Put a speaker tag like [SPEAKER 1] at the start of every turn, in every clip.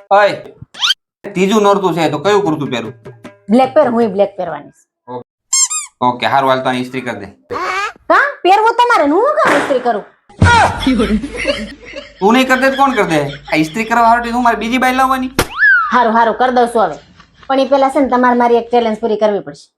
[SPEAKER 1] ઓય ત્રીજું નોરતું છે તો કયું કુર્તું પહેરું?
[SPEAKER 2] બ્લેક પહેર, હું બ્લેક પહેરવાની છે.
[SPEAKER 1] ઓકે હારું હાલ તો આની ઇસ્ત્રી કરી દે.
[SPEAKER 2] કા પહેરવું તમારે ને હું કામ ઇસ્ત્રી કરું?
[SPEAKER 1] તું નહીં કરતે તો કોણ કરતે? આ ઇસ્ત્રી કરવા હારું હું મારી બીજી બાઈ લાવવાની?
[SPEAKER 2] હારું હારું કરી દઉં છું હવે, પણ એ પેલા છે ને તમારે મારી એક ચેલેન્જ પૂરી કરવી પડશે.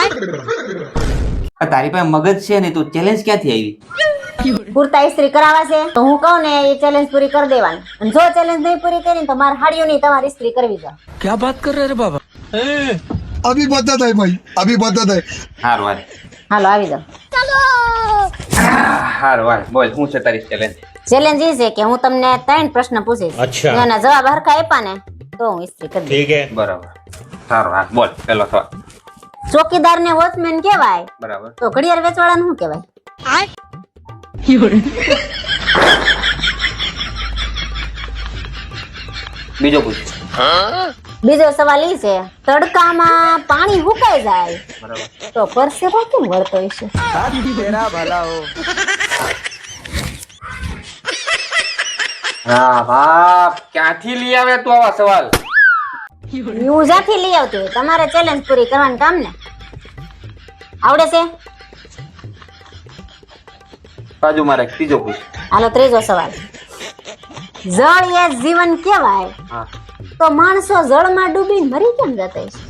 [SPEAKER 1] તારી પાસે મગજ છે ને તું ચેલેન્જ ક્યાંથી આવી?
[SPEAKER 2] કુર્તા ઇસ્ત્રી કરાવવા છે તો હું કહું ને એ ચેલેન્જ પૂરી કરી દેવાની, અને જો ચેલેન્જ નહીં પૂરી કરી તો મારે હાડીઓ નહીં તમારે ઇસ્ત્રી કરવી છે.
[SPEAKER 3] क्या बात कर रहे रे बाबा?
[SPEAKER 4] अभी बता है भाई, अभी बता है.
[SPEAKER 1] હારું હાલ.
[SPEAKER 2] હાલો આવી જાઓ.
[SPEAKER 1] હારું હાલ બોલ શું છે તારી ચેલેન્જ?
[SPEAKER 2] ચેલેન્જ એ છે કે હું તમને 3 પ્રશ્ન પૂછીશ.
[SPEAKER 3] અચ્છા.
[SPEAKER 2] એના જવાબ હરખા આપ્યા ને તો હું ઇસ્ત્રી કરી દઈશ.
[SPEAKER 3] ठीक है.
[SPEAKER 1] બરાબર. સારું હા બોલ પેલો સવાલ.
[SPEAKER 2] ચોકીદાર ને વોચમેન કહેવાય
[SPEAKER 1] બરાબર.
[SPEAKER 2] તો ઘડિયાળ વેચવાળાને શું કહેવાય?
[SPEAKER 1] બીજો પૂછ.
[SPEAKER 2] બીજો સવાલ ઈ છે તડકામાં પાણી સુકાઈ જાય
[SPEAKER 1] બરાબર.
[SPEAKER 2] તો પરસેવો કેમ વળતો હશે?
[SPEAKER 1] હા બાપ ક્યાંથી લઈ આવે તું આવા સવાલ?
[SPEAKER 2] હું જ્યાંથી લઈ આવતી હોય તમારે ચેલેન્જ પૂરી કરવાનું કામ ને. આવડે છે?
[SPEAKER 1] બાજુ મારે ત્રીજો પૂછ.
[SPEAKER 2] હાલો ત્રીજો સવાલ. જળ એ જીવન કહેવાય
[SPEAKER 1] હા.
[SPEAKER 2] તો માણસો જળમાં ડૂબી મરી કેમ જતા હશે?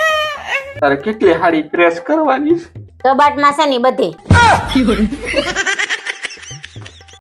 [SPEAKER 1] તારે કેટલી હાડી પ્રેસ કરવાની?
[SPEAKER 2] કબાટમાં છે ને બધી.